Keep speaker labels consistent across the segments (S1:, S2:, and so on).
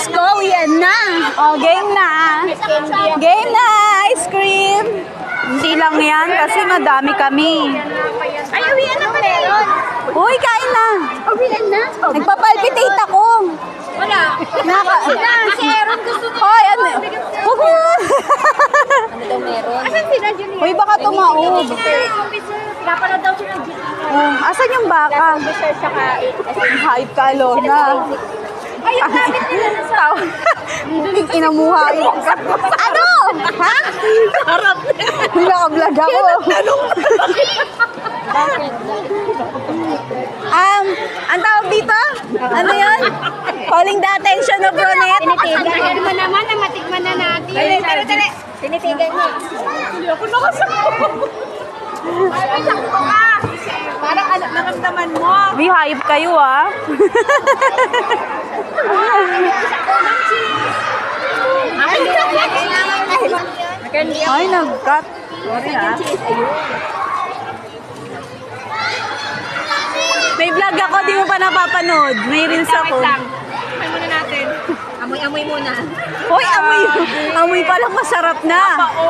S1: Let's go! Yan na! O, game na! Game na! Ice cream! Hindi lang yan kasi madami kami.
S2: Ay, uwian na pala yun.
S1: Uy, kain na!
S2: Uwian na?
S1: Nagpapalpitate ako!
S2: Wala. Si Aaron gusto niya.
S1: Hoy, ano? Huwag mo!
S2: Ano daw meron? Asan sila, Julia?
S1: Uy, baka tumaob.
S2: Napanood daw sila, Julia.
S1: Oh, asan yung baka?
S2: Officer, saka...
S1: Hype ka, Lona.
S2: Ay, yung gamit nila na sa...
S1: Inamuha yun. Ano? Ha? Harap na. Naka-vlog ako. Ang tawag dito? Ano yun? Calling the attention of Ronette.
S2: Tinitigan mo naman na matikman na natin. Tali. Tinitigan mo.
S1: Hindi ako nakasakto.
S2: Ay, sakto ka. Parang naramdaman mo.
S1: May hype kayo, ah. Ay, nag-cut. Sorry, ha? May vlog ako, di mo pa napapanood. May reels ako.
S2: Amoy muna natin. Amoy muna.
S1: Hoy, amoy pa lang masarap na.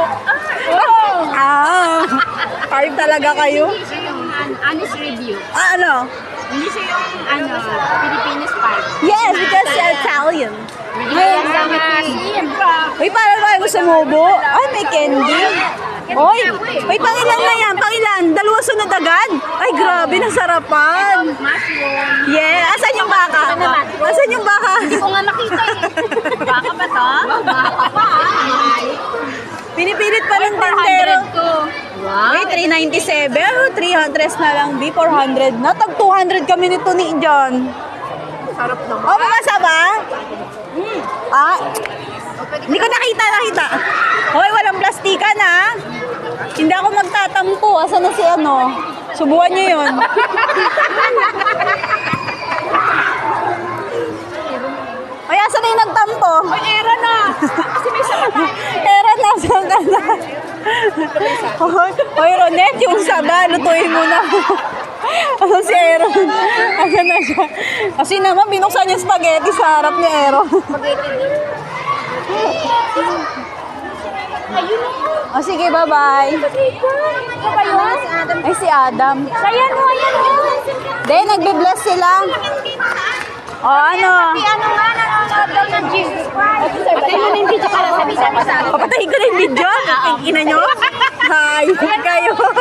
S1: Hype talaga kayo.
S2: Hindi siya yung honest review.
S1: Ano?
S2: Hindi siya yung Filipino spice.
S1: Yes, because Italian.
S2: Ang dami asim.
S1: Uy, parang tayo gusto sumubo. Ay, may candy. Uy, pangilan na yan, pangilan. Dalawa sunod agad. Ay, grabe, nasarapan.
S2: Mushroom.
S1: Yeah, asan yung baka? Asan yung baka?
S2: Hindi ko nga makita eh. Baka ba to? Baka pa
S1: Pinipilit pa ng tindero.
S2: 400 to. Wow.
S1: Uy, 397. 300 na lang, B. 400 na. Tag 200 kami nito ni John.
S2: Sarap naman.
S1: Oh, mamasa ba? Hindi ko nakita. Hoy, walang plastikan, ha? Hindi ako magtatampo. Asan na si ano? Subukan niyo yun. Hoy, asan na yung nagtampo?
S2: Ay, era na. Kasi may saba.
S1: Era na, saan ka na? Hoy, Ronette, yung saba, lutuin mo na. Ano si Aaron? Asan na siya? Kasi naman, binuksan yung spaghetti sa harap ni Aaron. O sige, bye-bye. Ay, si Adam.
S2: Ayan mo.
S1: Then, nagbe-bless sila. O, ano?
S2: Si ano nga, nanonood daw ng Jesus Christ. Patay mo na yung video para sabi sa
S1: Papatayin ko na yung video. Ang ina nyo. Hi, kayo.